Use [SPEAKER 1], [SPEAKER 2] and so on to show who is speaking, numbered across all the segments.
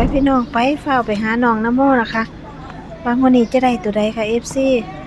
[SPEAKER 1] พี่น้องไปเฝ้าไปหาน้องน้ำโมนะคะบางวันนี้จะได้ตัวใดค่ะ FC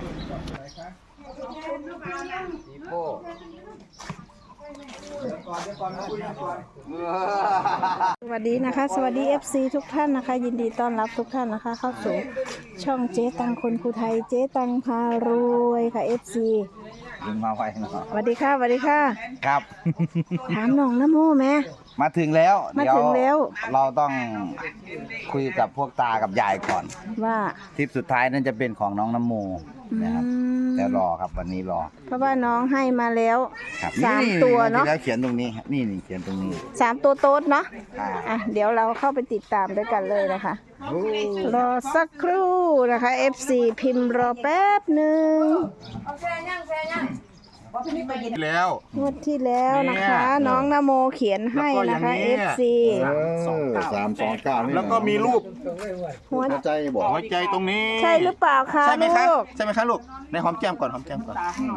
[SPEAKER 1] สวัสดีนะคะสวัสดี FC ทุกท่านนะคะยินดีต้อนรับทุกท่านนะคะเข้าสู่ช่องเจ๊ตังคนภูไทยเจ๊ตังพารวยค่ะ FC
[SPEAKER 2] ดึงมาไว้เนาะ
[SPEAKER 1] สวัสดีค่ะสวัสดีค่ะ
[SPEAKER 2] ครับ
[SPEAKER 1] ถามน้องน้ำโมแม่
[SPEAKER 2] มาถึงแล้ว
[SPEAKER 1] มาถึงแล้ว
[SPEAKER 2] เราต้องคุยกับพวกตากับยายก่อน
[SPEAKER 1] ว่า
[SPEAKER 2] ทริปสุดท้ายนั่นจะเป็นของน้องน้ำโมนะครับแต่รอครับวันนี้รอ
[SPEAKER 1] เพราะว่าน้องให้มาแล้ว
[SPEAKER 2] ครับ
[SPEAKER 1] สามตัวเนาะ
[SPEAKER 2] แล้วเขียนตรงนี้นี่เขียนตรงนี้
[SPEAKER 1] 3 ตัวโต๊ดเนาะ
[SPEAKER 2] อ่า
[SPEAKER 1] อ่ะเดี๋ยวเราเข้าไปติดตามด้วยกันเลยนะคะ
[SPEAKER 2] โอ้
[SPEAKER 1] รอสักครู่นะคะ FC พิมพ์รอแป๊บหนึ่ง
[SPEAKER 3] แล้ว
[SPEAKER 1] งวดที่แล้วนะคะ น้องนโมเขียนให้นะคะ FC
[SPEAKER 3] 329แล้วก็มีรูป
[SPEAKER 1] หัว
[SPEAKER 3] ใจบอกหัวใจตรงนี้
[SPEAKER 1] ใช่หรือเปล่าคะ
[SPEAKER 3] ใช่ไหมคะ
[SPEAKER 1] ลูก
[SPEAKER 3] ใช่ไหมคะลูกในหอมแก้มก่อนหอมแก้มก่อน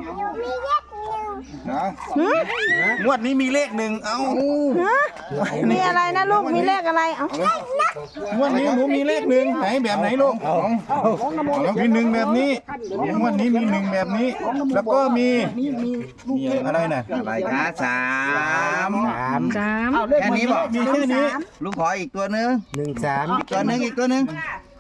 [SPEAKER 3] นะ
[SPEAKER 1] หืม
[SPEAKER 3] งวดนี้มีเลขหนึ่งเอ้า
[SPEAKER 1] ฮะมีอะไรนะลูกมีเลขอะไรเอ้าง
[SPEAKER 3] วดนี้หนูมีเลขหนึ่งไหนแบบไหนลูกมีหนึ่งแบบนี้งวดนี้มีหนึ่งแบบนี้ แล้วก็มีอะไรนะ
[SPEAKER 2] อะไรคะสาม
[SPEAKER 3] แค่นี้บอกมีแค่นี้
[SPEAKER 2] ลูกขออีกตัวหนึง
[SPEAKER 3] 13
[SPEAKER 2] อีกตัวหนึงอีกตัวหนึง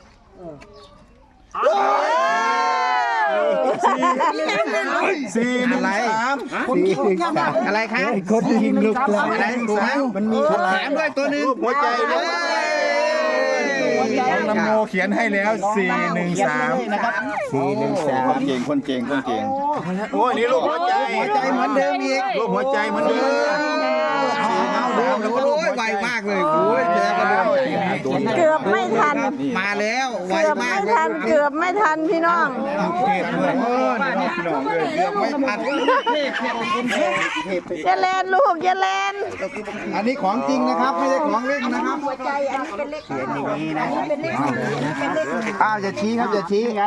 [SPEAKER 3] 413
[SPEAKER 2] อะไรคะ
[SPEAKER 3] คนยิงลูกปลา
[SPEAKER 2] อะไรถูกไหม
[SPEAKER 3] มันมีฉลา
[SPEAKER 2] แถ
[SPEAKER 3] ก
[SPEAKER 2] มด้วยตัวหนึง
[SPEAKER 3] หัวใจด้วยน้ำโมเขียนให้แล้ว 413นะครับ413คนเก่งโอ้ยนี่ลูกหัวใจ
[SPEAKER 2] หัวใจเหมือนเดิมอีก
[SPEAKER 3] รูปหัวใจเหมือนเดิม
[SPEAKER 2] แล้วก็โอ้ยไวมากเลยโอ้ยแกก็เร็ว
[SPEAKER 1] เกือบไม่ทัน
[SPEAKER 2] มาแล้วไว
[SPEAKER 1] เกือบ
[SPEAKER 2] มา
[SPEAKER 1] ไม่
[SPEAKER 2] ก
[SPEAKER 1] ทันเกือบไม่ทันพี่น้อง
[SPEAKER 3] เทพด้วยนี่พี่น้องเลย
[SPEAKER 2] เกือบไม่ทัน
[SPEAKER 1] อย่าแลนลูกอย่าแลน
[SPEAKER 2] อันนี้ของจริงนะครับไม่ใช่ของเล่นนะครับ
[SPEAKER 1] หัวใจอันนี้เป็นเลข
[SPEAKER 2] เขียนอย่างนี้นะ
[SPEAKER 1] เป็นเลขเป็นเลข
[SPEAKER 2] อ้าวจะชี้ครับจะชี้ไง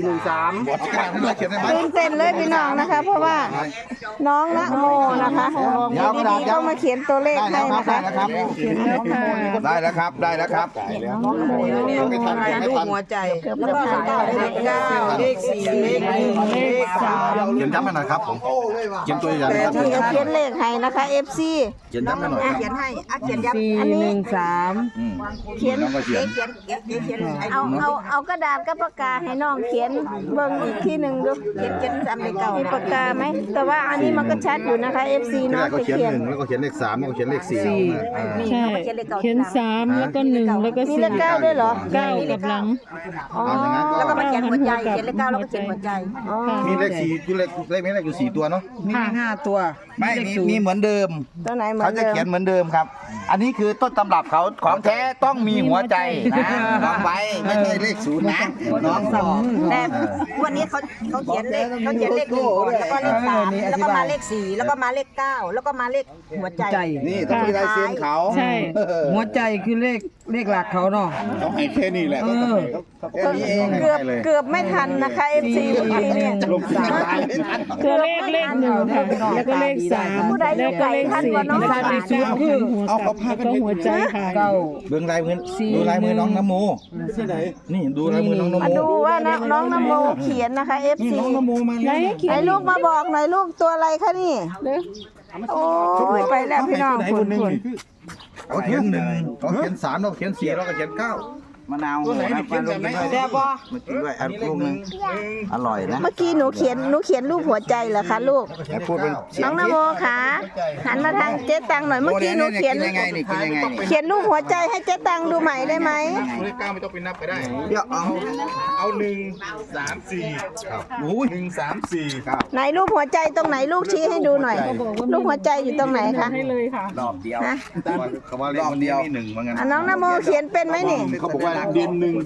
[SPEAKER 2] 413เขียนได้ไหม
[SPEAKER 1] ตื่นเต้นเลยพี่น้องนะคะ เพราะว่าน้องนะโมนะคะอยู่ดีๆก็มาเขียนตัวเลขให้นะคะ
[SPEAKER 2] ได้แล้วครับได้แล้วครับ
[SPEAKER 3] ไม่ทันไม่ทัน
[SPEAKER 1] หัวใจแล้วก็เลข9เลข4เลข1เลข3
[SPEAKER 3] เขียนย้ำมาหน่อยครับผมเขียนตัวใหญ่ๆครับ
[SPEAKER 1] เดี๋ยวเขียนเลขให้นะคะ FC
[SPEAKER 3] เขียนย้ำมาหน่อยครับ
[SPEAKER 1] เขียนให้เขียนยับอันนี้เขียน
[SPEAKER 2] น้องก็เขียน
[SPEAKER 1] เอากระดาษกับปากกาให้น้องเขียนเบิ่งอีกทีหนึ่งดูเขียน3เลข9มีปากกาไหมแต่ว่าอันนี้มันก็ชัดอยู่นะคะ FC
[SPEAKER 3] ที่แร
[SPEAKER 1] น้อง
[SPEAKER 3] กก็
[SPEAKER 1] จะ
[SPEAKER 3] เขียน
[SPEAKER 1] เขียน
[SPEAKER 3] 1แล้วก็เขียนเลข3แล้วก็เขียนเลข4
[SPEAKER 4] ใช่เขียน3แล้วก็1แล้วก็
[SPEAKER 1] มี
[SPEAKER 4] 4
[SPEAKER 1] เลข9ด้วยเหรอ
[SPEAKER 4] 9กับหลัง
[SPEAKER 1] อ๋อ
[SPEAKER 3] แล้วก็มาเขียน
[SPEAKER 4] หัวใจเขียนเลข9แล้วก็เขียนหัวใจ
[SPEAKER 1] อ๋อ
[SPEAKER 3] มีเลข4อยู่เลขนี้เลขอยู่4ตัวเนาะ
[SPEAKER 2] ไม่มีเหมือนเดิม
[SPEAKER 1] ตัวไหนเหมือ
[SPEAKER 2] เขา
[SPEAKER 1] น
[SPEAKER 2] จะ
[SPEAKER 1] เดิม
[SPEAKER 2] เขียนเหมือนเดิมครับ อันนี้คือต้นตำรับเขาของแท้ต้องมีหัวใจนะลองไว้ไม่ใช่เลขศูนย์นะน้องบอก
[SPEAKER 5] แต่วันนี้เขาเขียนเลข1ก่อนแล้วก็เลข3แล้วก็มาเลข4แล้วก็มาเลข9แล้วก็มาเลขหัวใจ
[SPEAKER 2] นี่ต้องมีลายเซ็นเขา
[SPEAKER 4] ใช่
[SPEAKER 6] หัวใจคือเลขหลักเขาเนาะ
[SPEAKER 3] เขาให้แค่นี้แหละ
[SPEAKER 2] แค่นี้เอง
[SPEAKER 1] เกือบไม่ทันนะคะ FC เมื่อกี้เนี่ย
[SPEAKER 3] ลงสายตายไม่ทัน
[SPEAKER 4] ตัวเลข1ค่ะแล้วก็เลข3แล้วก็เลข4ที่ชัดที่สุดคือแล้วก็หัวใจค่ะ
[SPEAKER 6] เก้า
[SPEAKER 2] เบื้องลายมือดูลายมือน้องน้ำโมนี่ดูลายมือน้องน้ำ
[SPEAKER 1] มา
[SPEAKER 2] โม
[SPEAKER 1] ดูว่าน้องนโมเขียนนะคะ FC
[SPEAKER 3] น้องนโมมา
[SPEAKER 4] ไหน
[SPEAKER 3] แล้ว
[SPEAKER 4] เขีย
[SPEAKER 1] ไอ้
[SPEAKER 4] น
[SPEAKER 1] ลูกมาบอกหน่อยลูกตัวอะไรคะนี่โอ้ยไปแล้วพี่น้อง
[SPEAKER 3] คนหนึ่ง
[SPEAKER 2] เขาเขียน1เขาเขียน3เราเขียน4เราก็เขียน9มะนาว
[SPEAKER 3] ตัวไหนนี่เขียนแบบไหน
[SPEAKER 2] แซ่บป่ะมากินด้วยอันลูกนึงอร่อยนะ
[SPEAKER 1] เมื่อกี้หนูเขียนรูปหัวใจเหรอคะลูก
[SPEAKER 2] ให้พูดเป็นเสีย
[SPEAKER 1] น้อง งนโมค่ะหันมาทางเจ๊ตังหน่อยเมื่อกี้หนูเขียน
[SPEAKER 2] กินยังไงนี่กินยังไงนี่
[SPEAKER 1] เขียนรูปหัวใจให้เจ๊ตังดูใหม่ได้ไหม
[SPEAKER 3] เลข9ไม่ต้องไปนับก็ได้
[SPEAKER 2] เดี๋ยว
[SPEAKER 3] เอา1 3 4ครับโอ้ย1 3 4ครับ
[SPEAKER 1] ไหนรูปหัวใจตรงไหนลูกชี้ให้ดูหน่อยรูปหัวใจอยู่ตรงไหนคะ
[SPEAKER 4] ให้เลยค่ะ
[SPEAKER 2] รอบเดียว
[SPEAKER 1] ฮะ
[SPEAKER 3] เขาว่าเลขนี้มี1เหมือนกัน
[SPEAKER 1] อ่ะน้องนโมเขียนเป็นไหมนี่
[SPEAKER 3] เขาบอกว่าเดือน1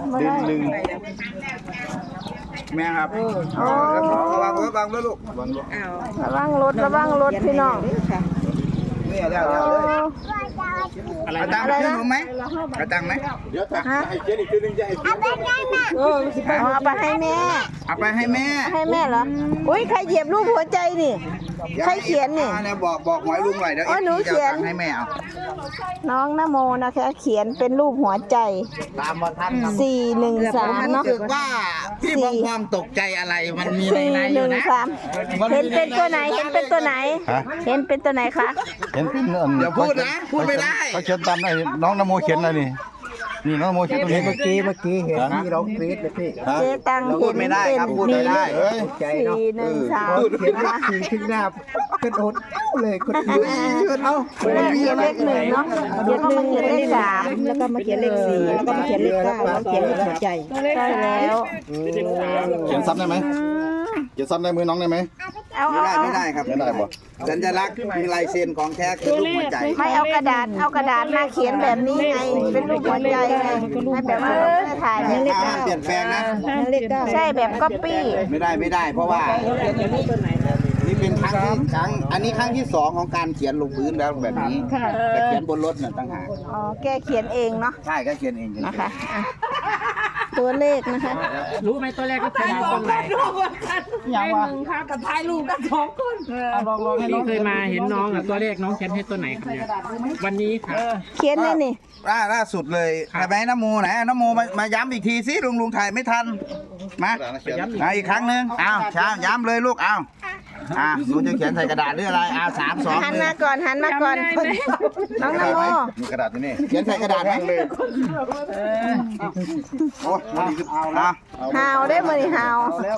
[SPEAKER 3] แม่ครับ
[SPEAKER 1] โอ้
[SPEAKER 2] ระวังด้วยลูก
[SPEAKER 1] ระวังรถพี่น้อง
[SPEAKER 2] นี่แล้ว
[SPEAKER 1] โอ้
[SPEAKER 2] เอาตังค์ไปซื้อนมไหมเอาตังค์ไหม
[SPEAKER 3] เดี๋ยวให้เขียนอีกทีนึงจะให้เขียน
[SPEAKER 1] เอาไปให้แม่
[SPEAKER 2] เอาไปให้แม่
[SPEAKER 1] ให้แม่เหรออุ้ยใครเหยียบรูปหัวใจนี่ใครเขียนนี่
[SPEAKER 2] เนี่ยบอกหมอยลุงหน่อยเดี๋ยว
[SPEAKER 1] อ๋อหนูเขียน
[SPEAKER 2] จะอาตังค์ให้แม่เอา
[SPEAKER 1] น้องนโมนะคะเขียนเป็นรูปหัวใจ
[SPEAKER 2] ตามมาทัน
[SPEAKER 1] 413เนาะ
[SPEAKER 2] รู้สึกว่าพี่บองความตกใจอะไรมันมีในอยู่นะ
[SPEAKER 1] 413เห็นเป็นตัวไหนเห็นเป็นตัวไหน เห็นเป็นตัวไหนคะ
[SPEAKER 3] เห็นเป็น
[SPEAKER 2] อย่าพูดนะพูดไม่ได้
[SPEAKER 3] เขาเขียนตามไอ้น้องนโมเขียนอะไรนี่นี่น้องนโมเขียนตรงนี้เมื่อกี้เห็นที่เรากรี๊ดเลยพี่
[SPEAKER 1] เจตัง
[SPEAKER 2] พูดไม่ได้ครับพูดไม่ได้
[SPEAKER 1] 413
[SPEAKER 3] สีขึ้นหน้าเป็นอดเลยคนเดียวเอา
[SPEAKER 1] เขียนเลข1เนาะเขียน1เขียนเลข3
[SPEAKER 5] แล้วก็มาเขียนเลข4แล้วก็มาเขียนเลข9แล้วเขียนเลขหัวใจ
[SPEAKER 1] ใช่แล้ว
[SPEAKER 3] เขียนซ้ำได้ไหมเขียนซ้ำได้มือน้องได้ไหม
[SPEAKER 1] เอา
[SPEAKER 2] ไม่ได้ครับ
[SPEAKER 3] ไม่ได้บ่
[SPEAKER 2] สัญลักษณ์มีลายเซ็นของแท้คือรูปหัวใจ
[SPEAKER 1] ไม่เอากระดาษมาเขียนแบบนี้ไงเป็นรูปหัวใจไงให้แบบว่าเราถ่ายแบบเลข
[SPEAKER 2] ห้ามเปลี่ยนแปลงนะ
[SPEAKER 5] เลข
[SPEAKER 1] ใช่แบบก๊อปปี้
[SPEAKER 2] ไม่ได้เพราะว่านี่เป็นครั้งอันนี้ครั้งที่2ของการเขียนลงพื้นแล้วแบบนี้แต่เขียนบนรถน่ะต่างหาก
[SPEAKER 1] อ๋อแกเขียนเองเนาะ
[SPEAKER 2] ใช่ก็เขียนเอง
[SPEAKER 1] นะคะอ่ะตัวเลขนะคะ
[SPEAKER 6] รู้ไหมตัวแรกก็คือตรงไหนอย่างว่ากับถ่ายรูปกัน2คนลองให้น้องเคยมาเห็นน้องตัวเลขน้องเขียนให้ตัวไหนครับเนี่ยวันนี้ครับ
[SPEAKER 1] เขียนเลยนี่
[SPEAKER 2] ล่าสุดเลยใช่ไหมน้ำโมไหนน้ำโมมาย้ำอีกทีสิลุงถ่ายไม่ทันมาอีกครั้งหนึ่งเอาช้าย้ำเลยลูกเอาลุงจะเขียนใส่กระดาษหรืออะไรเอา3 2
[SPEAKER 1] หันมาก่อนน้องนโม
[SPEAKER 3] มีกระดาษอยู่นี่
[SPEAKER 2] เขียนใส่กระดาษไหมโอ้ยเอา
[SPEAKER 1] หาวได้มือหาว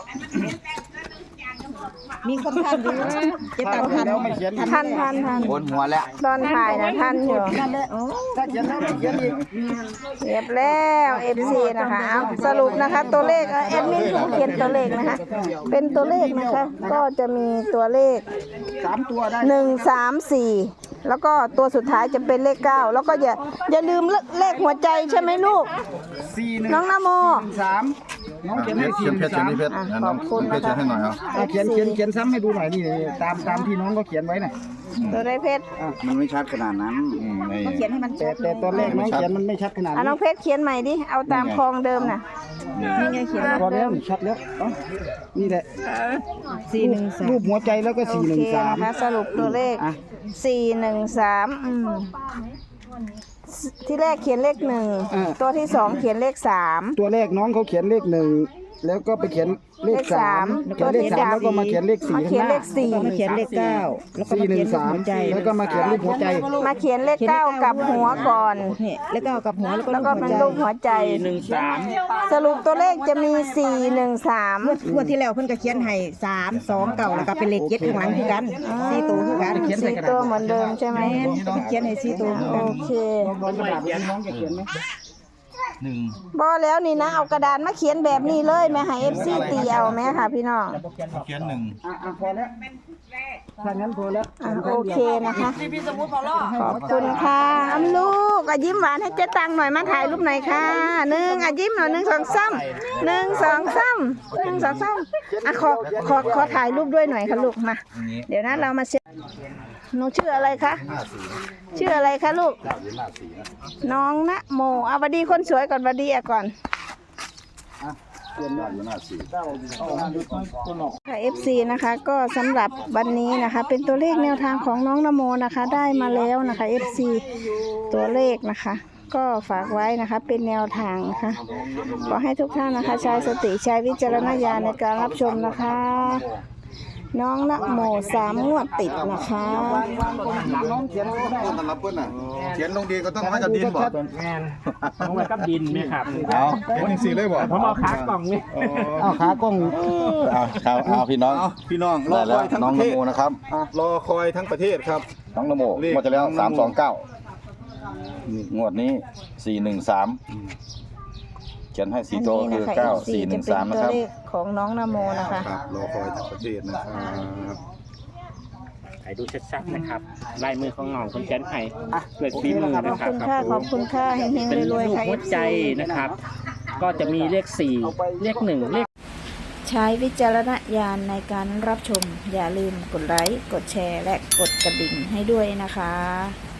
[SPEAKER 5] มีคนทันอยู่เจ๊ตังทัน
[SPEAKER 1] ทัน
[SPEAKER 2] บนหัวแล้ว
[SPEAKER 1] ตอนถ่ายนะทันอยู่
[SPEAKER 3] ถ้าเขียนแล้วเขียนอีก
[SPEAKER 1] เรียบแล้ว FC นะคะเอาสรุปนะคะตัวเลขแอดมินผู้เขียนตัวเลขนะคะเป็นตัวเลขนะคะก็จะมีตัวเลข
[SPEAKER 3] 3 ตัวได้
[SPEAKER 1] 1 3 4แล้วก็ตัวสุดท้ายจะเป็นเลข9แล้วก็อย่าลืมเลขหัวใจใช่ไหมลูก
[SPEAKER 3] 4
[SPEAKER 1] น้องนโม
[SPEAKER 3] 3น้องเขียนให้4 เพชรเขียนให้เพชรน้องเพชรเขียนให้หน่อยครับ
[SPEAKER 6] เขียนซ้ำให้ดูหน่อยนี่ตามที่น้องก็เขียนไว้น่ะ
[SPEAKER 1] ตัวได้เพชร
[SPEAKER 2] มันไม่ชัดขนาดนั้น
[SPEAKER 5] เขียนให้มันชัด
[SPEAKER 6] แต่ตัวเลขน้องเขียนมันไม่ชัดขนาด
[SPEAKER 1] อ่ะน้องเพชรเขียนใหม่ดิเอาตามคลองเดิมน่ะ
[SPEAKER 5] นี่ไงเขียน
[SPEAKER 6] พอแล้วชัดแล้วนี่แหละรูปหัวใจแล้วก็
[SPEAKER 1] โอเคนะคะสรุปตัวเลข 413ที่แรกเขียนเลข1ตัวที่2เขียนเลข3
[SPEAKER 6] ตัวแรกน้องเขาเขียนเลข1แล้วก็ไปเขียนเลข3
[SPEAKER 1] ตัวที่
[SPEAKER 6] แล้วก็มาเขียนเลข4
[SPEAKER 1] มาเขียนเลข
[SPEAKER 5] มาเขียนเลข9แล้วก็มาเขียนเลขหัวใจ
[SPEAKER 6] แล้วก็มาเขียนรูปหัวใจ
[SPEAKER 1] 4มาเขียนเลข9กับหัวก่อน
[SPEAKER 5] เนี่ยเลข9กับหัวแล้วก็
[SPEAKER 1] แล้วก็เป็นรูปหัวใจสรุปตัวเลขจะมี413
[SPEAKER 5] งวดที่แล้วเพิ่นก็เขียนให้3 2 9แล้วก็เป็นเลข7ข้างหลังคือกัน4ตัวคือกัน
[SPEAKER 1] 4ตัวเหมือนเดิมใช่ไหม
[SPEAKER 5] เขียนให้4ตัวคือกัน
[SPEAKER 1] โอเค
[SPEAKER 6] น้องจะเขียนไหม
[SPEAKER 1] บอแล้วนี่นะเอากระดานมาเขียนแบบนี้เลยแม่ให้ FC ตีเอาแม่ค่ะพี่น้อง
[SPEAKER 3] เขียน1
[SPEAKER 6] พอแล้วถ้างั้นพอแล้ว
[SPEAKER 1] โอเคนะคะขอบคุณค่ะอ้ำลูกยิ้มหวานให้เจ๊ตังหน่อยมาถ่ายรูปหน่อยค่ะยิ้มหน่อย1 2 3 1 2 3 1 2 3ขอถ่ายรูปด้วยหน่อยค่ะลูกมาเดี๋ยวนะเรามาเช็คหนูชื่ออะไรคะชื่ออะไรคะลูกน้องนะโมเอาบัดดีคนสวยก่อนบัดดีก่อนค่ะ FC นะคะก็สำหรับวันนี้นะคะเป็นตัวเลขแนวทางของน้องนโมนะคะได้มาแล้วนะคะ FC ตัวเลขนะคะก็ฝากไว้นะคะเป็นแนวทางนะคะขอให้ทุกท่านนะคะใช้สติใช้วิจารณญาณในการรับชมนะคะน้องนะโม3 งวดติดนะคะ
[SPEAKER 6] น้องเขียนก็ได้
[SPEAKER 3] สำหรับเพื่อนน่ะเขียนลงดีก็ต้องให้กับดินบ่
[SPEAKER 6] แมนน้องไว้กับดินไหมครับ
[SPEAKER 3] เอาวันนี้4เลยบ่
[SPEAKER 6] ผมเอาขากล่องนี่เอาขากล่อง
[SPEAKER 3] เอาพี่น้องรอคอยทั้งประเทศนะครับรอคอยทั้งประเทศครับน้องนโมงวดที่แล้ว329งวดนี้413เขียนให้4ตัวคือ9413นะครับ
[SPEAKER 1] ตัวเลขของน้องนโมนะคะ
[SPEAKER 3] รอคอยทั้งประเทศนะครับ
[SPEAKER 7] ให้ดูชัดๆนะครับลายมือของน้องคนเขียนให้เกิดฝีมือ
[SPEAKER 1] ข
[SPEAKER 7] นะ
[SPEAKER 1] อบ
[SPEAKER 7] ครั
[SPEAKER 1] คุณค่ะขอบคุณค่ะเฮง
[SPEAKER 7] เป็น
[SPEAKER 1] ๆร
[SPEAKER 7] รู
[SPEAKER 1] วย
[SPEAKER 7] ป
[SPEAKER 1] ๆค่ะ
[SPEAKER 7] หัวใจนะครับ ก็จะมีเลข4เลข1เลข
[SPEAKER 1] ใช้วิจารณญาณในการรับชมอย่าลืมกดไลค์กดแชร์และกดกระดิ่งให้ด้วยนะคะ